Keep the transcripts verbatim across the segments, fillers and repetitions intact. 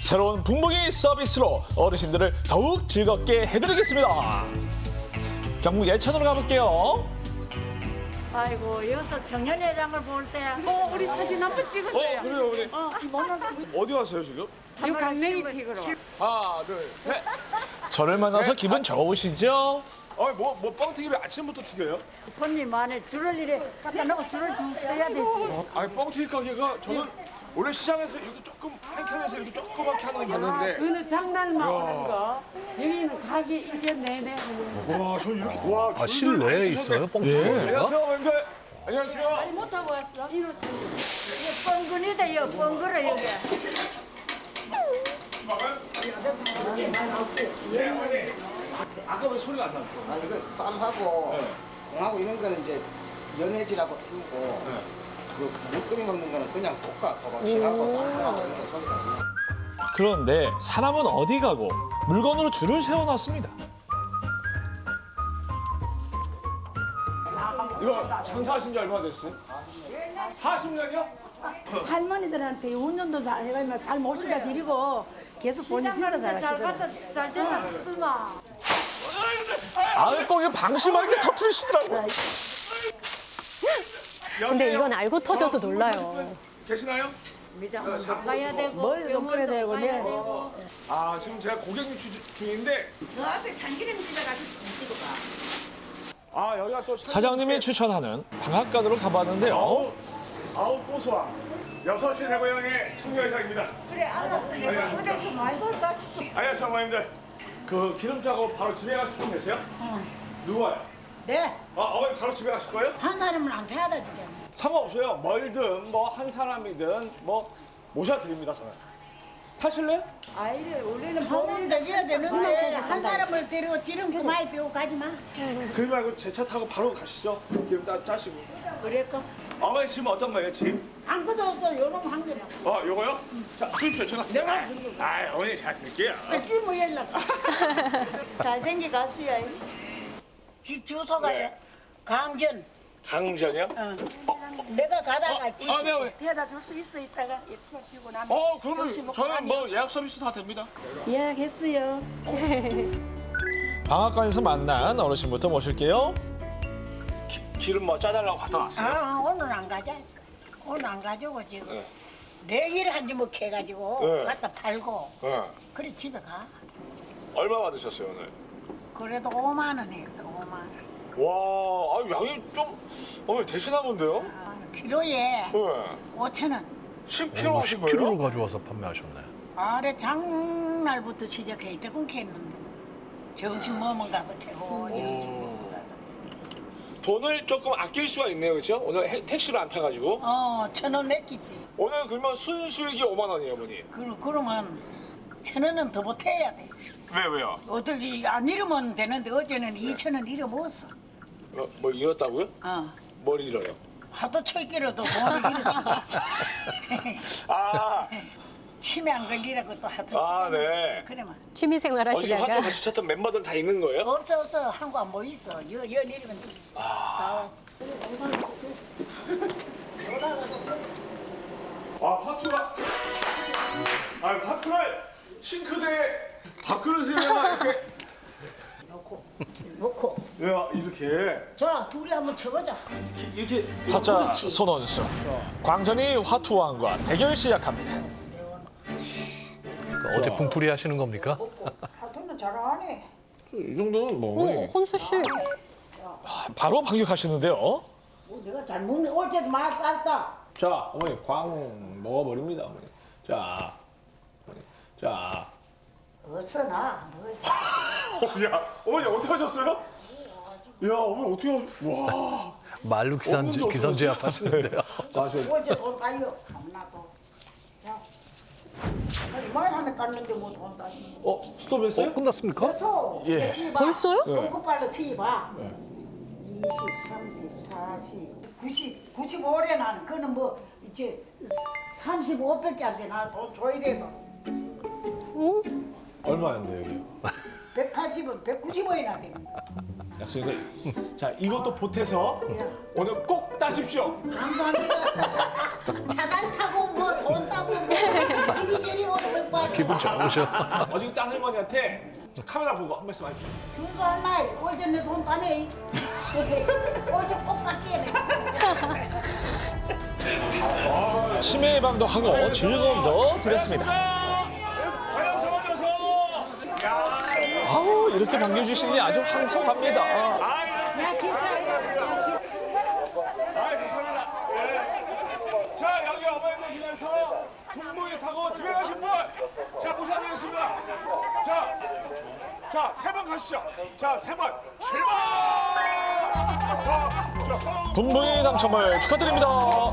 새로운 붕붕이 서비스로 어르신들을 더욱 즐겁게 해드리겠습니다. 경북 예천으로 가볼게요. 아이고 여기서 청년회장을 볼 때. 어, 우리 사진 한번 찍으세요. 어, 그래요, 우리. 어, 어디 가세요, 지금? 이 강냉이 픽으로. 하나, 둘, 셋. 저를 만나서 기분 좋으시죠? 어, 뭐, 뭐, 뻥튀기를 아침부터 튀겨요? 손님 안에 줄을 이래 갖다 놓고 줄을 쭉 서야 되지. 아니, 뻥튀기 가게가 저는 원래 시장에서 이렇게 조금, 한 칸에서 이렇게 조그맣게 하는 거 봤는데. 그거는 장날만 하는 거. 여기는 가게 이게 내내 하는 거. 와, 저 이렇게, 와. 아, 실내에 있어요? 뻥튀기가? 안녕하세요, 어머님들. 안녕하세요. 이거 뻥근이다 이거 뻥근을 여기. 아까 왜 소리가 안 났어? 아 이거 쌈하고 공하고 이런 거는 이제 연해지라고 튀우고 그 물끓이 먹는 거는 그냥 볶아 도박식하고 담하고 이런 거 소리가 안 나. 그런데 사람은 어디 가고 물건으로 줄을 세워놨습니다. 이거 장사하신 지 얼마나 됐어요? 사십 년이요? 할머니들한테 운전도 잘 해가지고 잘 모시다 드리고 계속 본인 진짜 잘 잘하시더라고요. 갖다 잘 됐다 쓰마. 아, 꼭 방심하게 터트리시더라고요. 근데 이건 알고 터져도 놀라요. 계시나요? 미장원 가야 되고 머리도 좀 끌어야 되고, 가야 네. 되고. 아, 지금 제가 고객 유치 중인데. 너 앞에 참기름 집어가지고 찍어봐. 아, 여기가 또. 사장님이 추천하는 방앗간으로 가봤는데요. 아우, 아우, 고소한. 여섯 시 대고향의 청년회장입니다. 그래 알았어. 내가 그래서 말고 가시고. 안녕하세요, 어머님들. 그 기름 짜고 바로 집에 가실 분 계세요? 누가요? 네, 아, 어머니 바로 집에 가실 거예요? 한 사람은 안 태워다 주죠. 상관없어요. 멀든 뭐 한 사람이든 뭐 모셔드립니다, 저는. 타실래요? 아이를 우리는 본인 되어야 되는데 한 사람을 데리고 지름 그만이 배우고 가지 마. 그러지 말고 제 차 타고 바로 가시죠. 기름 따 짜시고. 그랬고 어머니 지금 어떤 거예요, 지금? 아무것도 없어. 요놈 한 개나. 어, 요거요? 자, 주십시오. 제가. 내가 아, 어머니 제가 드릴게요. 뺏기 뭐 연락. 잘생기 가수야. 집 주소가요. 강전. 강전이요? 내가 가다가 집 아, 네, 어머니. 태워다 줄 수 있어 이따가 이거 지고 나면. 어, 그러면 저는 뭐 예약 서비스 다 됩니다. 예약했어요. 방앗간에서 만난 어르신부터 모실게요. 기름 뭐 짜달라고 갖다 놨어요. 아 오늘 안 가자. 오늘 안 가지고 지금 네. 내일 한지 뭐 해가지고 네. 갖다 팔고 네. 그래 집에 가. 얼마 받으셨어요, 오늘? 그래도 오만 원 했어 오만 원. 와, 아, 양이 좀 어머니 대신한 건데요? 아, 키로에 네. 오천 원. 십 킬로그램 하신 십 킬로그램을 거예요? 가져와서 판매하셨네. 아래 장날부터 시작해 이때군 캐는데 점심 먹으면 가서 캐고 점심 먹으면 가서. 돈을 조금 아낄 수가 있네요, 그렇죠? 오늘 해- 택시를 안 타가지고. 어, 천 원 냈겠지. 오늘 그러면 순수익이 오만 원이에요, 어머니. 그, 그러면 천 원은 더 보태야 돼. 왜, 왜요? 어떨지 안 잃으면 되는데 어제는 이천 원 잃어먹었어. 어, 뭐 잃었다고요? 어. 뭘 잃어요? 하도 쳐있기로도 돈을 잃었지. 아, 치매 안 걸리라고 또 하도 아, 치매. 네. 그래만. 취미생활 어, 지금 하시다가 화투 같이 쳤던 멤버들 다 있는 거예요? 없어 없어 한국 안 보이소. 여, 여 내리면 다 왔어. 아, 화투가. 아, 화투를 싱크대에 밥그릇에다가 이렇게. 놓고 놓고. 야, 이렇게. 자 둘이 한번 쳐보자. 이렇게. 타짜 손원수. 광전이 화투왕과 대결 시작합니다. 어제 분풀이 하시는 겁니까? 하여튼 잘하네. 이 정도는 뭐. 어, 혼수 씨. 바로 반격하시는데요. 뭐 내가 잘 먹네. 어제도 많이 땄다. 자, 어머니 광 먹어버립니다, 어머니. 자, 어머니. 자. 어서 나. 뭐 야, 어머니 어떻게 하셨어요? 야, 어머니 어떻게 하셨? 와. 말로 기선제, 없는데 기선제압 하시는데요. 자, 저. 어제 돈 따요. 나도. 자. 얼마나 하면 땄는데 뭐 돈 따지. 어, 스톱했어요? 어, 끝났습니까? 그래서 예. 치봐. 벌써요? 똥꼬발로 치봐. 이십, 삼십, 사십, 구십, 구십오래 나는 그는 뭐 이제 삼십오밖에 안 돼. 나 돈 줘야 돼도. 얼마인데 여기? 백팔십은 백구십원이나 돼. 약속인데. 자, 이것도 보태서 오늘 꼭 따십시오. 감사합니다. 차잘 타고 뭐 돈 따고 뭐 이리저리 오는 거 기분 좋으셔. 어저께 딸 할머니한테 카메라 보고 한 말씀 해주세요. 준수 엄마, 어제 내 돈 따네. 어제 꼭 깎게. 치매 예방도 하고 즐거움도 드렸습니다. 아우 이렇게 반겨주시니 아주 황송합니다. 아, 죄송합니다. 예. 자, 여기 어머니들 중에서 분무기 타고 집에 가신 분, 자, 모셔드리겠습니다. 자, 자, 세 번 가시죠. 자, 세 번 출발! 자, 자, 분부의 당첨을 축하드립니다.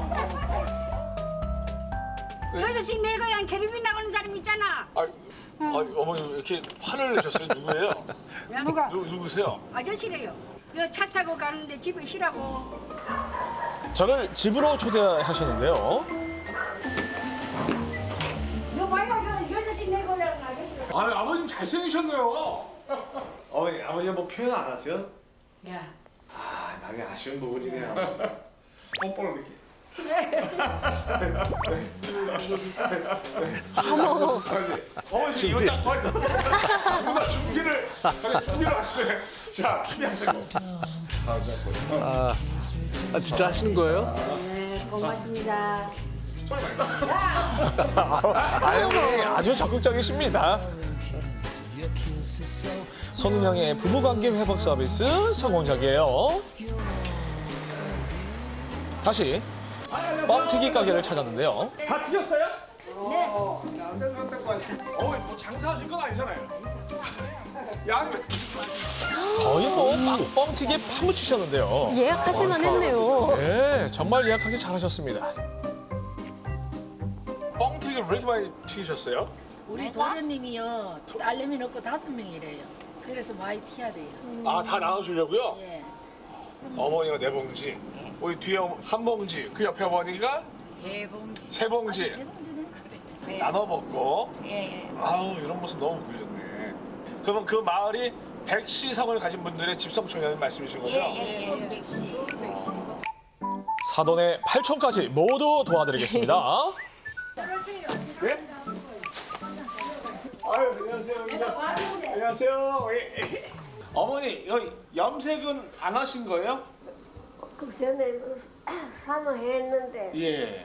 여섯씩 내 거야 캐리비 나가는 사람 있잖아. 아, 아, 어머니 왜 이렇게 화를 내셨어요? 누구예요? 누가? 누, 누구세요? 아저씨래요. 여 차 타고 가는데 집에 쉬라고. 저를 집으로 초대하셨는데요. 너 봐요, 여 여섯씩 내 거라는 아저씨가. 아, 아버님 잘생기셨네요. 어머니, 아버님 뭐 표현 안 하세요? 야, 아, 나게 아쉬운 부분이네요. 뽀뽀를 이렇게. 어머. 어머니 지금 이거 딱 봐요. 누가 준비를 저희 준비를 하시네. 자, 준비하세요. 아, 아 진짜 하시는 거예요? 네, 고맙습니다. 아유 아주 적극적이십니다. 손은영의 부부관계 회복 서비스 성공적이에요. 다시 뻥튀기 가게를 찾았는데요. 다 드셨어요? 네. 어머니 뭐 장사하실 건 아니잖아요. 양 거의 뭐 빵, 뻥튀기에 파묻히셨는데요. 예약하실만 했네요. 네, 정말 예약하기 잘하셨습니다. 뻥튀기를 왜 이렇게 많이 튀기셨어요? 우리 도련님이요 딸내미 넣고 다섯 명이래요. 그래서 많이 튀어야 돼요. 아, 다 나눠주려고요? 예. 어머니가 네 봉지, 우리 뒤에 어머- 한 봉지, 그 옆에 어머니가 세 봉지. 세 봉지 세 봉지는 그래. 나눠 먹고. 예, 예. 아우, 이런 모습 너무 보여줬네. 그러면 그 마을이 백시성을 가진 분들의 집성촌이라는 말씀이신 거죠? 백시. 사돈의 팔촌까지 모두 도와드리겠습니다. 네? 아유, 안녕하세요. 안녕하세요. 예. 어머니, 여기 염색은 안 하신 거예요? 그 전에 산후했는데 예.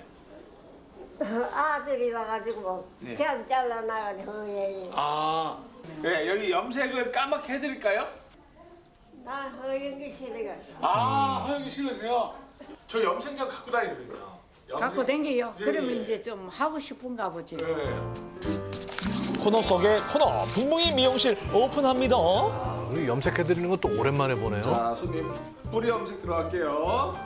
아들이 와가지고 제가 잘라나가지고 예. 아, 네, 여기 염색을 까맣게 해드릴까요? 나 허영기 싫어가지고 아, 허영이 싫으세요? 저 염색약 갖고 다니거든요. 염색- 갖고 댕겨요. 예, 그러면 예. 이제 좀 하고 싶은가 보지. 네. 코너 속의 코너 분무기 미용실 오픈합니다. 우리 염색해드리는 건 또 오랜만에 보네요. 자, 손님 뿌리 염색 들어갈게요.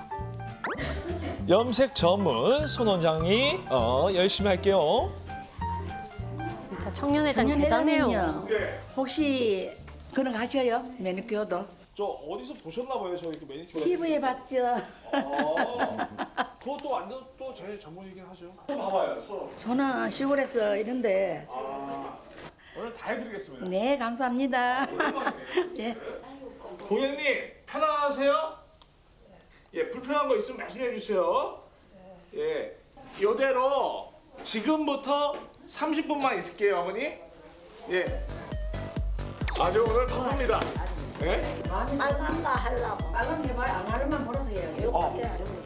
염색 전문 손 원장이 어, 열심히 할게요. 진짜 청년회장 대단해요. 예. 혹시 그런 거 하셔요? 매니큐어도? 저 어디서 보셨나 봐요, 저 이렇게 매니큐어. 피부에 봤죠. 아, 그것도 완전 또 제 전문이긴 하죠. 좀 봐봐요, 서로. 저는 시골에서 이런데. 아, 오늘 다 해드리겠습니다. 네, 감사합니다. 예. 고객님 편안하세요? 예, 불편한 거 있으면 말씀해 주세요. 예, 이대로 지금부터 삼십 분만 있을게요, 어머니. 예. 아주 오늘 바쁩니다. 예? 알란다 하려고 빨간 게 봐요. 안 하려면 벌어서 해요. 어.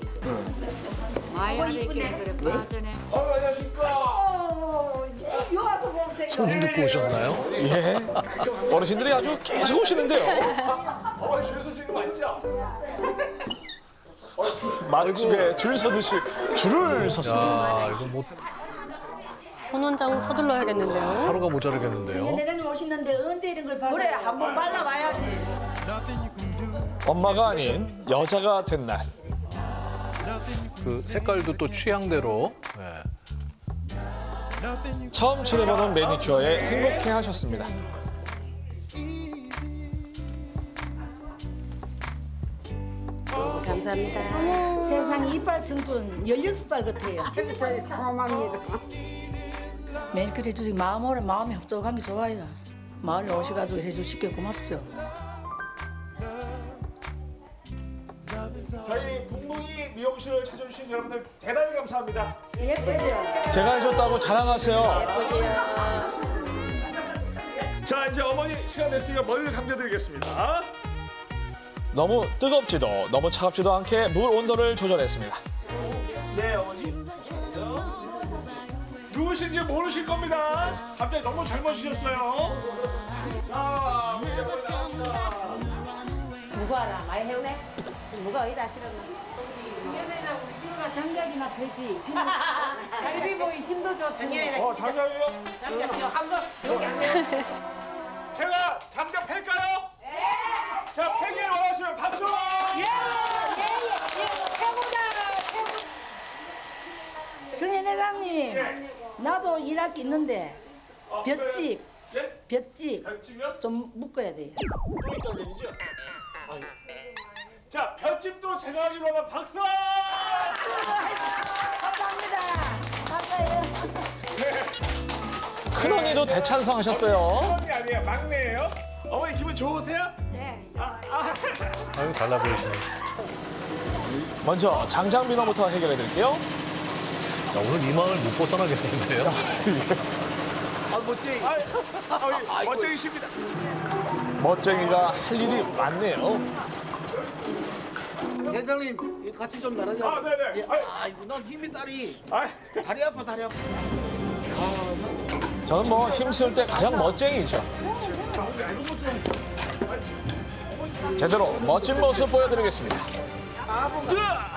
많이 하니까 그래 빠져네. 어, 안녕하십니까. 요 와서 보세요. 손 듣고 오셨나요? 예. 어르신들이 아주 계속 오시는데요. 어머니 줄 서시는 거 맞죠? 맛집에 줄 서듯이 줄을 섰습니다. 야, 이거 뭐 손 원장 서둘러야겠는데요. 하루가 모자르겠는데요. 대장님 오시는데 언제 이런 걸 받아요? 그래, 한번 발라봐야지. 엄마가 아닌 여자가 된 날. 그 색깔도 또 취향대로. 네. 처음 칠해보는 매니큐어에 행복해하셨습니다. 감사합니다. 세상에 이빨 청춘 열여섯 살 같아요. 저희 참합니다. 매니큐어 해주시고 마음으로 마음이 협조한 게 좋아요. 마을에 오셔가지고 해주시게 고맙죠. 저희 분무기 미용실 미용실을 찾아주신 여러분들 대단히 감사합니다. 예쁘죠? 제가 해줬다고 자랑하세요. 자, 이제 어머니 시간 됐으니까 머리를 감겨드리겠습니다. 너무 뜨겁지도 너무 차갑지도 않게 물 온도를 조절했습니다. 네, 어머니. 누구신지 모르실 겁니다. 갑자기 너무 젊어지셨어요. 자, 우리 어머니 나옵니다. 누구 알아? 많이 해오네? 누가 어디다 실었나? 장작이나 펴지. 갈비 보이 힘도 좋고. 어, 장갑이요? 장작 한번 여기 한 제가 장갑 팰까요? 네! 자, 팽이를 원하시면 박수! 정현 회장님, 예. 나도 일할 게 있는데 어, 볏짚, 예? 볏짚 볏집이요? 좀 묶어야 돼요. 또 있다는 얘기죠? 아유. 자, 볏집도 제가 하기로 하면 박수! 감사합니다. 감사해요. 큰언니도 대찬성하셨어요. 그런 게 아니에요. 막내예요. 어머니 기분 좋으세요? 네. 아, 아. 아유, 달라 보이시네. 먼저 장작 민원부터 해결해 드릴게요. 야, 오늘 이 마을 못 벗어나겠는데요? 아, 멋지. 아, 멋쟁이십니다. 멋쟁이가 할 일이 많네요. 회장님 같이 좀 나눠줘. 아, 네네. 예, 아이고 난 힘이 다리. 아, 다리 아파 다리 아파. 저는 뭐 힘쓸 때 가장 멋쟁이죠. 제대로 멋진 모습 보여드리겠습니다. 자!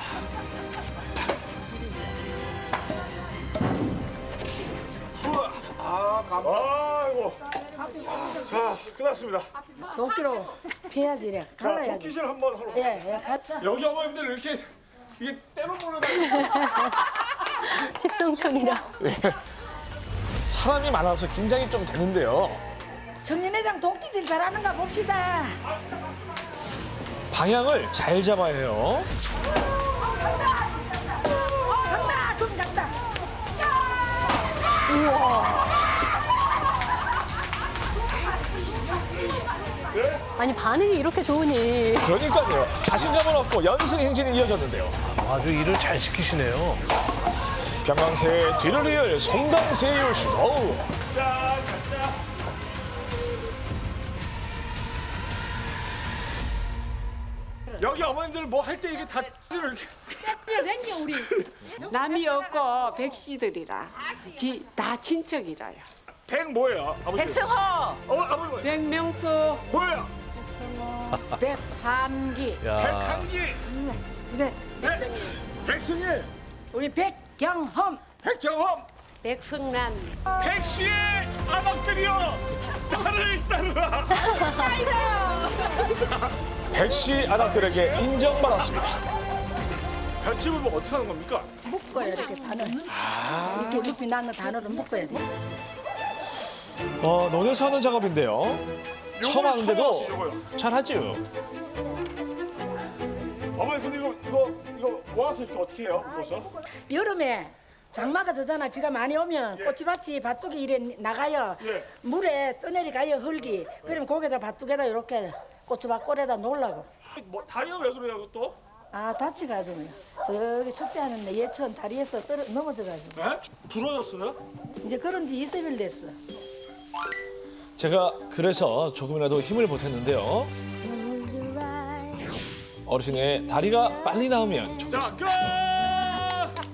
우와. 아 감사. 아이고. 자, 끝났습니다. 도끼로 패야지, 이래. 자, 갈라야지. 도끼질 한번 하러. 예, 예, 갔다. 여기 어머님들 이렇게 이게 때로 모르다. 집성촌이라. 사람이 많아서 긴장이 좀 되는데요. 정현 회장 도끼질 잘하는가 봅시다. 방향을 잘 잡아야 해요. 간다, 좀 간다. 아니 반응이 이렇게 좋으니. 그러니까요. 자신감을 얻고 연승 행진이 이어졌는데요. 아주 일을 잘 시키시네요. 병강세의 뒤를 이을 송강세의 시도. 자, 자. 여기 어머님들 뭐 할 때 이게 다 이렇게. 남이 없고 백씨들이라. 지, 다 친척이라요. 백 뭐예요? 아버지. 백성호, 어, 아버지 뭐예요? 백명수, 뭐예요? 백한기. 야, 백한기. 이제 백승일. 백승일. 우리 백경험. 백경험. 백승란. 백씨의 아낙들이여 나를 따르라. 백씨 아낙들에게 인정받았습니다. 볏집을 뭐 어떻게 하는 겁니까? 묶어야 이렇게 단을. 이렇게 높이 나는 단어를 묶어야 돼. 어, 논에서 하는 작업인데요. 처음 하는데도 처음 하시죠, 잘하죠. 어머니 근데 이거 이거 이거 모아서 이렇게 어떻게 해요? 벌써? 여름에 장마가 져잖아. 비가 많이 오면 꼬치밭이 밭둑이 이래 나가요. 예. 물에 떠내리 가요 흙이. 그러면 거기다 밭둑에다 이렇게 꼬치밭 꼴에다 놓으려고. 뭐 다리가 왜 그래요 또? 아 다치가지고요. 저기 축제하는데 예천 다리에서 떨어 넘어져가지고. 네? 부러졌어요? 이제 그런 지 이십 일 됐어. 제가 그래서 조금이라도 힘을 보탰는데요. 어르신의 다리가 빨리 나으면 자, 좋겠습니다. 끝!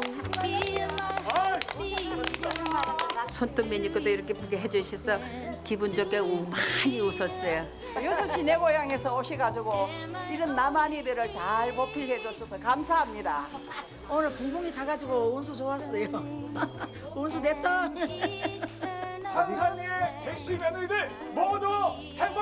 손톱 매니까도 이렇게 보게 해주셔서 기분 좋게 우- 많이 웃었어요. 여섯 시 내 고향에서 오셔가지고 이런 남한이들을 잘 보필해줘서 감사합니다. 오늘 붕붕이 타가지고 운수 좋았어요. 운수 됐다. 한산의 백씨 며느리들 모두 행복!